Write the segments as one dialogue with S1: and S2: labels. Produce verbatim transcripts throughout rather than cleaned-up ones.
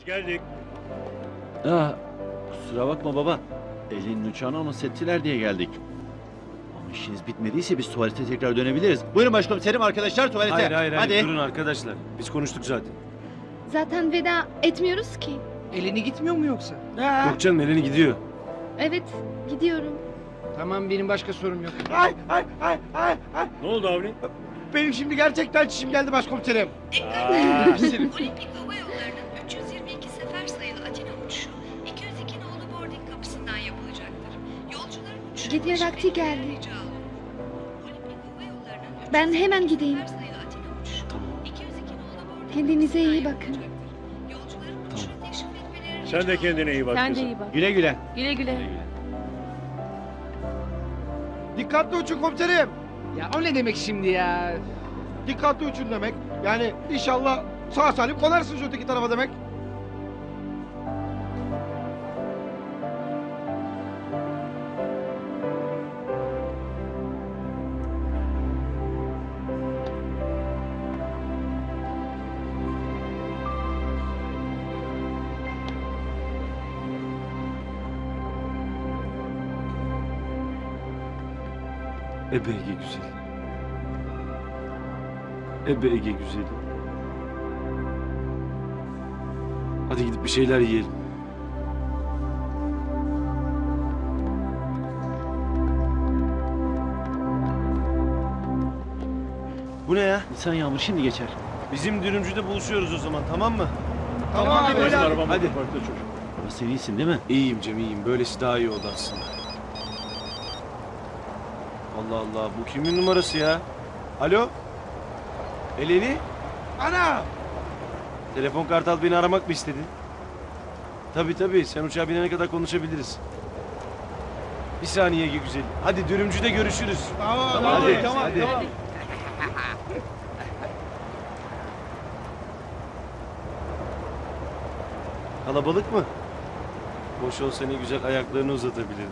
S1: Biz geldik.
S2: Aa, kusura bakma baba. Elinin uçağını alması ettiler diye geldik. Ama işiniz bitmediyse biz tuvalete tekrar dönebiliriz. Buyurun başkomiserim, arkadaşlar tuvalete.
S3: Hayır hayır hayır
S2: Hadi.
S3: durun arkadaşlar. Biz konuştuk zaten.
S4: Zaten veda etmiyoruz ki.
S5: Elini gitmiyor mu yoksa?
S3: Yok canım Eleni gidiyor.
S4: Evet, gidiyorum.
S5: Tamam, benim başka sorum yok.
S6: Ay ay ay ay ay.
S1: Ne oldu Avni?
S6: Benim şimdi gerçekten çişim geldi başkomiserim.
S7: Olimpik Hava Yolları'nın üç yüz yirmi iki sefer sayılı Atina uçuşu iki yüz iki nolu boarding kapısından yapılacaktır. Yolcuların uçuşu
S4: Gece
S7: başı
S4: vakti geldi.
S7: beklemeye rica olunur. Olimpik Hava Yolları'nın üç yüz
S4: Ben
S7: yirmi
S4: hemen
S7: iki
S4: gideyim.
S7: sefer sayılı Atina uçuşu iki yüz iki nolu boarding
S4: Kendinize iyi
S7: kapısından
S4: bakın.
S7: yapılacaktır. Yolcuların uçuşunu teşrif etmeleri
S1: Sen de
S7: rica
S1: kendine iyi bak
S8: Sen de
S1: kızım.
S8: iyi bak.
S2: Güle güle.
S8: Güle güle.
S6: Dikkatli uçun komiserim.
S5: Ya o ne demek şimdi ya?
S6: Dikkatli uçun demek. Yani inşallah sağ salim konarsınız öteki tarafa demek.
S3: Ebe Ege güzeli. Ebe Ege güzeli. Hadi gidip bir şeyler yiyelim. Bu ne ya?
S2: Nisan yağmur şimdi geçer.
S3: Bizim dürümcüde buluşuyoruz o zaman, tamam mı?
S6: Tamam abi,
S1: Bizim
S6: abi.
S1: arabamız
S3: Hadi.
S1: parkta çocuk.
S2: Ama sen iyisin değil mi?
S3: İyiyim Cem, iyiyim. Böylesi daha iyi oldu aslında. Allah Allah, bu kimin numarası ya? Alo? Eleni?
S6: Ana!
S3: Telefon Kartal beni aramak mı istedi? Tabii tabii, sen uçağa binene kadar konuşabiliriz. Bir saniye Ege güzel. Hadi dürümcüde görüşürüz.
S6: Tamam,
S3: Tamam,
S6: hadi,
S3: hadi,
S6: tamam,
S3: hadi.
S6: tamam.
S3: Kalabalık mı? Boş olsa ne güzel ayaklarını uzatabilirim.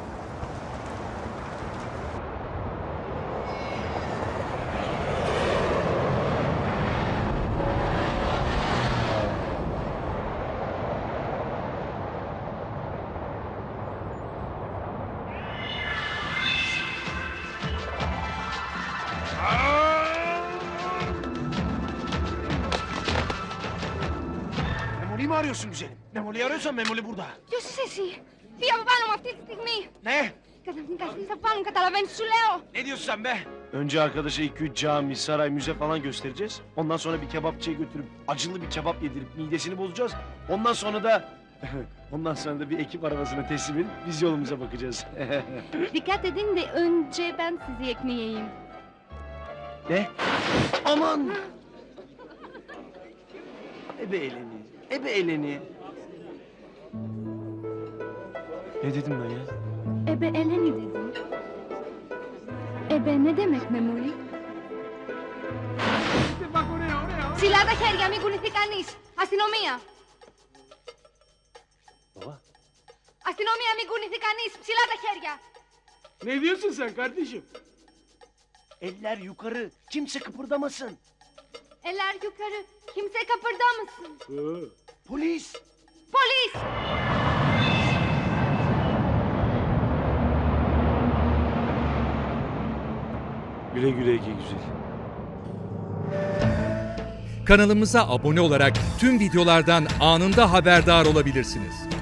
S6: Memoli'yi mi arıyorsun güzelim? Memoli'yi arıyorsan Memoli burada.
S4: Ποιος είσαι εσύ? Φύγε από πάνω μου αυτή τη στιγμή.
S6: Ne?
S4: Καταρχήν θα πάνω, καταλαβαίνεις, σου λέω.
S6: Ne diyorsun sen be?
S3: Önce arkadaşa iki üç cami, saray, müze falan göstereceğiz. Ondan sonra bir kebapçıya götürüp acılı bir kebap yedirip midesini bozacağız. Ondan sonra da ondan sonra da bir ekip arabasına teslim edip biz yolumuza bakacağız.
S4: Dikkat edin de önce ben sizi ekmeğeyim.
S3: Ne? Aman! Ebe eleni, ebe eleni. Ne dedim ben ya?
S4: Ebe Eleni dedim. Ebe ne demek Memoli?
S6: Bak oraya oraya.
S4: Ψηλά τα χέρια, μην κουνηθεί κανείς. Αστυνομία.
S3: Baba.
S4: Αστυνομία, μην κουνηθεί κανείς. Ψηλά τα χέρια.
S6: Ne diyorsun sen kardeşim?
S3: Eller yukarı, kimse kıpırdamasın.
S4: Eller yukarı. Kimse kıpırdamasın.
S3: Polis!
S4: Polis!
S3: Güle güle Ege güzel.
S9: Kanalımıza abone olarak tüm videolardan anında haberdar olabilirsiniz.